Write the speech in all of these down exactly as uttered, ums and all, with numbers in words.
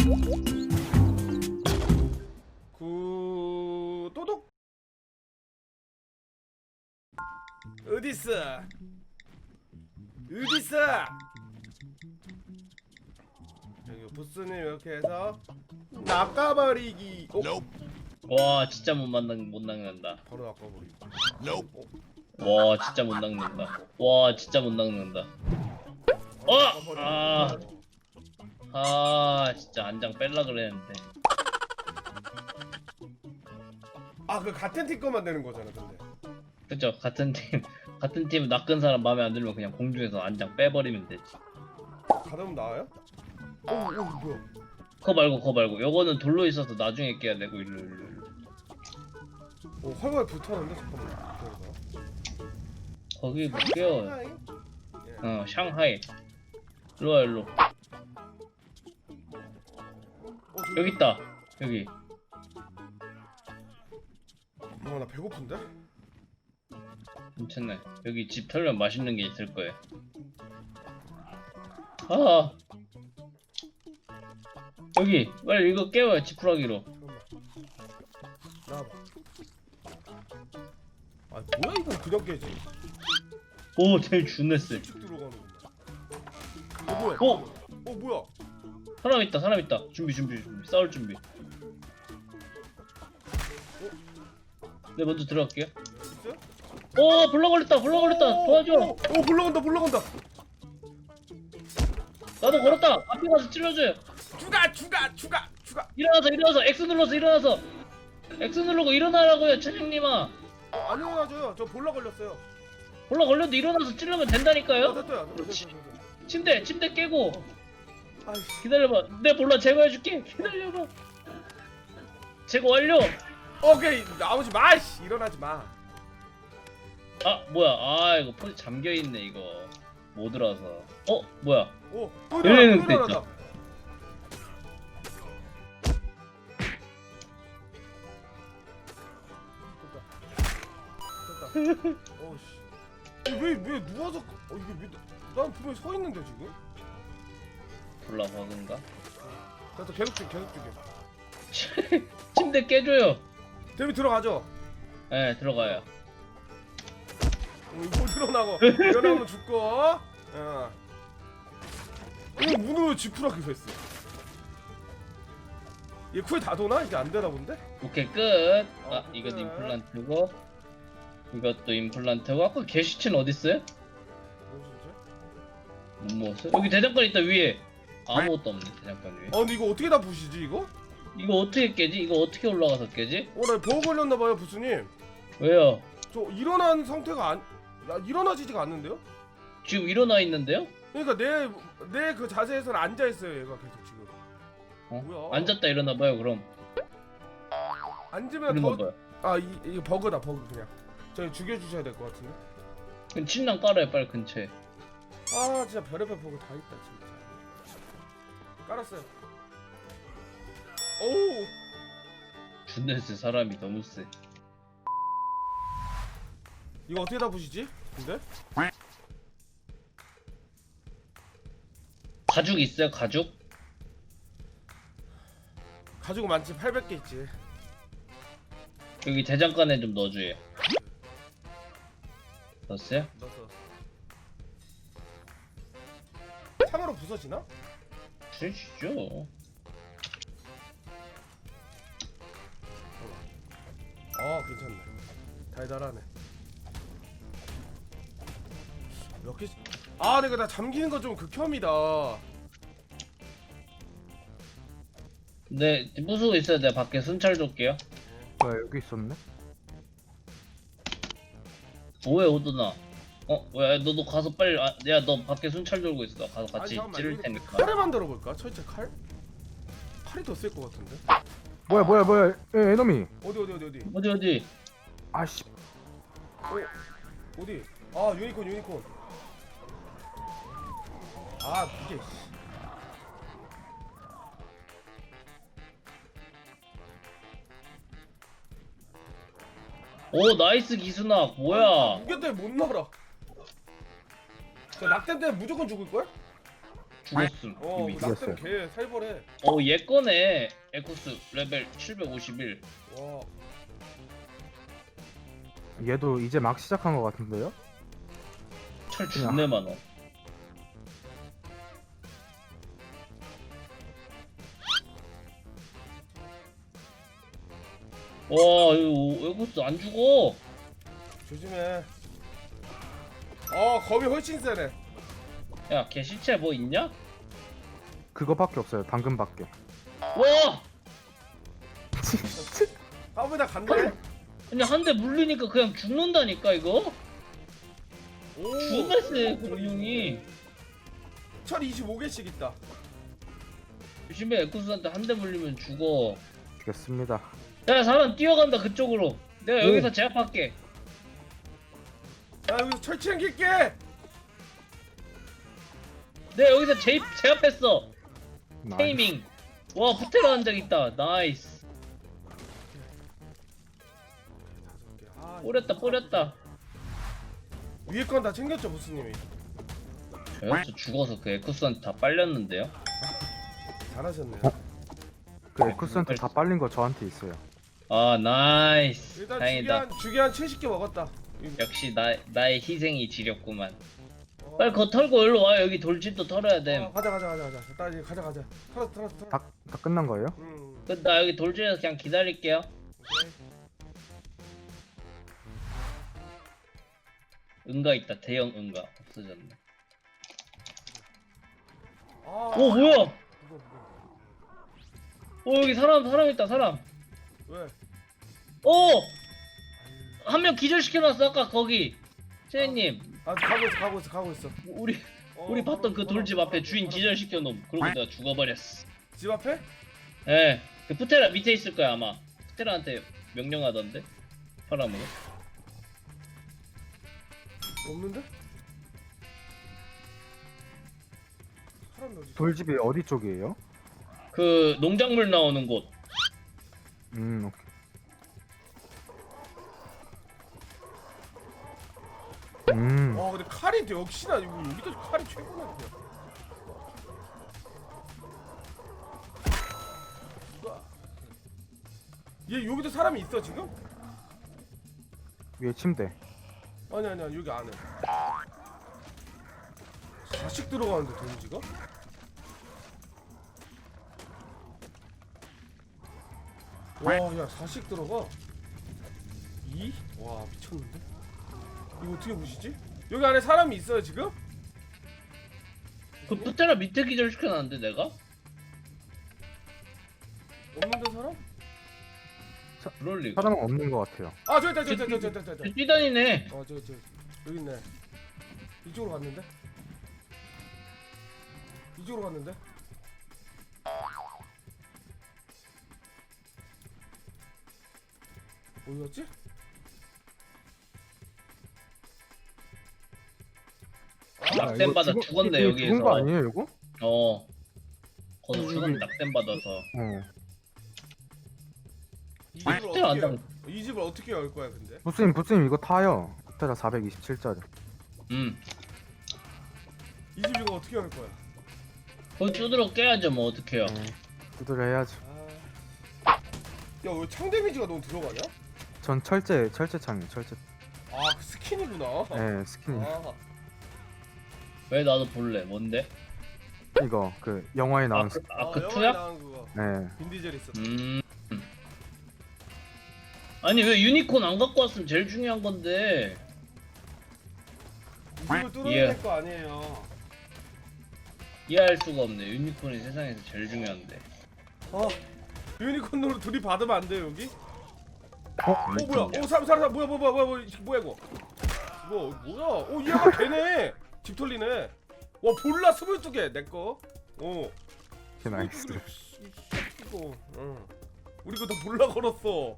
구도독. 어딨어? 어딨어? 여기 부스님 이렇게 해서 낚아버리기. 어? 와 진짜 못 만난 못 낚는다. 바로 낚아버리기. 와 진짜 못 낚는다. 와 진짜 못 낚는다. 어! 아, 아 진짜 안장 뺄라 그랬는데. 아, 그 같은 팀 거만 되는 거잖아, 근데. 그쵸? 같은 팀 같은 팀 낚은 사람 마음에 안 들면 그냥 공중에서 안장 빼버리면 되지. 가다보면 나와요? 어, 어, 뭐야? 그거 말고 그거 말고 요거는 돌로 있어서 나중에 깨야 되고 일로 일로 일로. 어, 활활 불타는데 잠깐만. 기다려봐. 거기 못 깨워. 샹하이? 예. 어 샹하이. 일로와 일로. 어, 저기- 여기 있다. 여기. 어, 나 배고픈데? 괜찮네. 여기 집 털면 맛있는 게 있을 거예요. 아 여기 빨리 이거 깨워요. 지푸라기로. 잠깐만. 나와봐. 아, 뭐야 이건 그냥 깨지? 오 제일 준네 쎄. 쭉 들어가는구나. 어, 뭐야? 어? 어, 뭐야? 사람 있다 사람 있다. 준비 준비 준비. 싸울 준비. 네 먼저 들어갈게요. 있어요? 오 불러 걸렸다 불러 걸렸다. 도와줘. 오, 오, 불러간다, 불러간다. 나도 걸었다. 앞에 가서 찔러줘요. 추가, 추가, 추가, 추가. 일어나서 일어나서 X 눌러서 일어나서. X 누르고 일어나라고요 차장님아. 어, 안 일어나줘요. 저 볼라 걸렸어요. 불러 걸려도 일어나서 찌르면 어, 된다니까요. 됐다. 됐다, 됐다, 됐다. 침대 침대 깨고. 아이씨. 기다려봐. 내 볼라 제거해줄게. 기다려봐. 제거 완료. 오케이, 나오지 마. 씨. 일어나지 마. 아 뭐야? 아 이거 포지 잠겨 있네 이거. 못 들어서. 어 뭐야? 오, 또 열리는 일어나, 또 데 일어나다. 됐다. 됐다. 어, 씨. 왜, 왜 누워서? 어, 이게 왜? 난 분명히 서 있는데 지금. 볼라 버그인가? 됐다. 계속 죽여, 계속 죽여. 침대 깨줘요. 데뷔 들어가죠. 네 들어가요. 어, 이거 일어나고 일어나면 죽고. 어. 이거 문을 지푸라기 했어. 얘 쿠에 다 도나? 이게 안 되나 본데? 오케이 끝. 어, 아 이것도 끝. 임플란트고 이것도 임플란트고 아까 게시체는 어디 있어요? 뭐지 이제? 못 먹었어요? 여기 대장간 있다 위에. 아무것도 없네 대장간 위에. 어, 근데 이거 어떻게 다 부시지 이거? 이거 어떻게 깨지? 이거 어떻게 올라가서 깨지? 어, 나 버그 걸렸나 봐요, 부스님. 왜요? 저 일어난 상태가 안, 야, 일어나지지가 않는데요? 지금 일어나 있는데요? 그러니까 내 내 그 자세에서는 앉아 있어요, 얘가 계속 지금. 어? 뭐야? 앉았다 일어나 봐요 그럼. 앉으면 일어나 더, 봐요. 아, 이 이거 버그다, 버그 그냥. 저희 죽여주셔야 될 것 같은데. 그럼 침낭 깔아요 빨리 근처에. 아, 진짜 별의별 버그 다 있다, 진짜. 깔았어요. 오우. 준네스 사람이 너무 세. 이거 어떻게 다 부시지? 근데? 가죽 있어요 가죽? 가지고 많지. 팔백 개 있지. 여기 대장간에 좀 넣어줘요. 넣었어요? 넣었어. 참으로 부서지나? 주시죠. 아, 괜찮네. 달달하네. 몇 개? 아, 내가 나 잠기는 거 좀 극혐이다. 네 무수고 있어요. 내가 밖에 순찰 줄게요. 뭐야 여기 있었네? 뭐해 오드나? 어? 왜 너도 가서 빨리 아, 야 너 밖에 순찰 돌고 있어. 가서 같이 잠깐만, 찌를 이거 테니까. 칼을 만들어 볼까? 철제 칼? 칼이 더 쓸 것 같은데. 뭐야 뭐야 뭐야 에 에너미. 어디 어디 어디 어디? 어디 어디? 아씨. 어? 어디? 아, 유니콘 유니콘. 아, 이게. 오 나이스 기순아 뭐야? 무게 때문에 못 날아. 저 낙뎀 때문에 무조건 죽을 걸? 죽었음 어 이미. 낙대는 개 살벌해. 어얘 거네. 에쿠스 레벨 칠백오십일. 와 얘도 이제 막 시작한 것 같은데요? 철 존내 많아. 와 이거 에쿠스 안 죽어. 조심해. 어 검이 훨씬 세네. 야 걔 시체 뭐 있냐? 그거밖에 없어요. 당근밖에. 와 까부다 간대. 아니 한 대 물리니까 그냥 죽는다니까 이거. 오 죽었어 공룡이. 철 이십오 개씩 있다. 조심해 에쿠스한테 한 대 물리면 죽어. 되겠습니다. 야 사람 뛰어간다 그쪽으로. 내가 오. 여기서 제압할게. 나 여기서 철 챙길게. 내가 여기서 제입, 제압했어. 나이스. 테이밍. 와 부테로 한 적 있다. 나이스. 아, 뿌렸다 뿌렸다. 위에 건 다 챙겼죠 보스님이. 저 여기서 죽어서 그 에쿠스한테 다 빨렸는데요. 잘하셨네요. 그 에쿠스한테 다 빨린 거 저한테 있어요. 아 나이스. 일단 주기 다행이다. 한 주기 한 칠십 개 먹었다. 이거. 역시 나 나의 희생이 지렸구만. 어. 빨리 그거 털고 일로 와. 여기 돌집도 털어야 돼. 어, 가자 가자 가자 가자. 나 이제 가자 가자. 털었어 털었어 털었어. 다, 다 끝난 거예요? 음. 그 나 여기 돌집에서 그냥 기다릴게요. 오케이. 응가 있다. 대형 응가 없어졌네. 아. 오 뭐야? 이거 이거. 오 여기 사람 사람 있다 사람. 왜? 오! 한 명 기절시켜놨어 아까 거기. 세님 아 가고 있어 가고 있어 가고 있어. 우리 어, 우리 봤던 그 바로, 돌집 바로, 앞에 바로, 주인 바로. 기절시켜 놓음. 그러고 내가 죽어버렸어. 집 앞에? 예. 그 푸테라 밑에 있을 거야 아마. 푸테라한테 명령하던데. 파라으로. 없는데? 사람이 어디? 돌집이 어디 쪽이에요? 그 농작물 나오는 곳. 음, 오케이. 음, 와 근데 칼이 역시나 이거 여기도 칼이 최고네 그냥. 우와. 얘 여기도 사람이 있어 지금? 위에 침대. 아니 아니야 여기 안에. 자식 들어가는데 데미지가? 와야 사식 들어가. 이? 와 미쳤는데? 이거 어떻게 보시지? 여기 안에 사람이 있어요 지금? 그 푸테라 밑에 기절시켜놨는데 내가? 없는데 사람? 그럴 리가. 사람은 없는 것 같아요. 아 저기 있다 저기 있다 저기 있다 저기 있다 저기 있다. 뛰다니네. 어 저기 저기 여기 있네. 이쪽으로 갔는데? 이쪽으로 갔는데? 어디 갔지? 낙뎀 이거 받아 죽은- 죽었네, 이거 여기에서. 죽은 거 아니에요, 이거? 어. 거기서 여기- 죽은 낙뎀 받아서. 어. 이 집을 푸테라 안 어떻게 당. 열, 이 집을 어떻게 열 거야 근데? 부스님, 부스님 이거 타요. 테라 사백이십칠짜리. 음. 이 집 이거 어떻게 열 거야? 거기 두드러 깨야죠 뭐 어떡해요. 네. 두드려 해야죠. 아... 야왜 창 데미지가 너무 들어가냐? 전 철제, 철제 창이에요, 철제. 아 그 스킨이구나. 네, 스킨. 아, 왜 나도 볼래? 뭔데? 이거, 그, 영화에 나온 스킨. 아그 아, 어, 그 영화에 투야? 나온 그거. 네. 빈디젤 있었. 음. 아니 왜 유니콘 안 갖고 왔으면 제일 중요한 건데. 이 집을 뚫어야 예. 될 거 아니에요. 이해할 수가 없네. 유니콘이 세상에서 제일 중요한데. 어 유니콘으로 둘이 받으면 안 돼요 여기? 어? 어 뭐야? 어 사람 사람 사람 뭐야 뭐야 뭐야 뭐야 뭐야 이거? 이거 뭐야? 어 얘가 되네. 집 털리네. 와 볼라 스물두 개 내 거. 어. 개 나이스. 이거. 응. 우리 거 다 볼라 걸었어.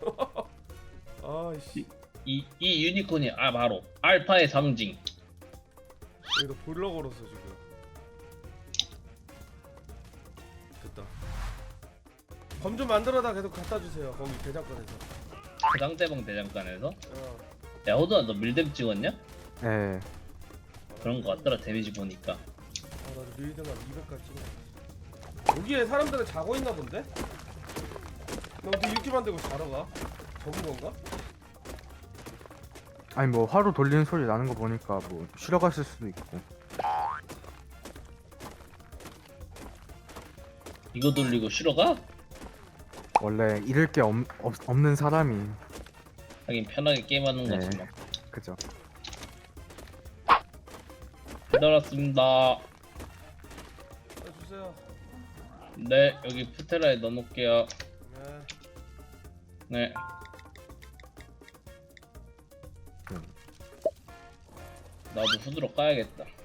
아이씨. 이, 이 유니콘이 아 바로 알파의 상징. 여기다 볼라 걸었어 지금. 됐다. 검 좀 만들어다 계속 갖다 주세요. 거기 대장간에서. 상대방 대장간에서. 어. 야 호두야 너 밀뎀 찍었냐? 네. 그런 거 같더라 데미지 보니까. 알아. 나도 밀드만 이백까지 찍어. 여기에 사람들은 자고 있나 본데? 나 어떻게 이렇게 만들고 자러 가? 적은 건가? 아니 뭐 화로 돌리는 소리 나는 거 보니까 뭐 쉬러 갔을 수도 있고. 이거 돌리고 쉬러 가? 원래 잃을 게 없, 없, 없는 사람이. 하긴 편하게 게임하는 네. 거지 뭐. 그죠. 배달 왔습니다. 해주세요. 네, 여기 푸테라에 넣어놓을게요. 네. 네. 음. 나도 후드로 까야겠다.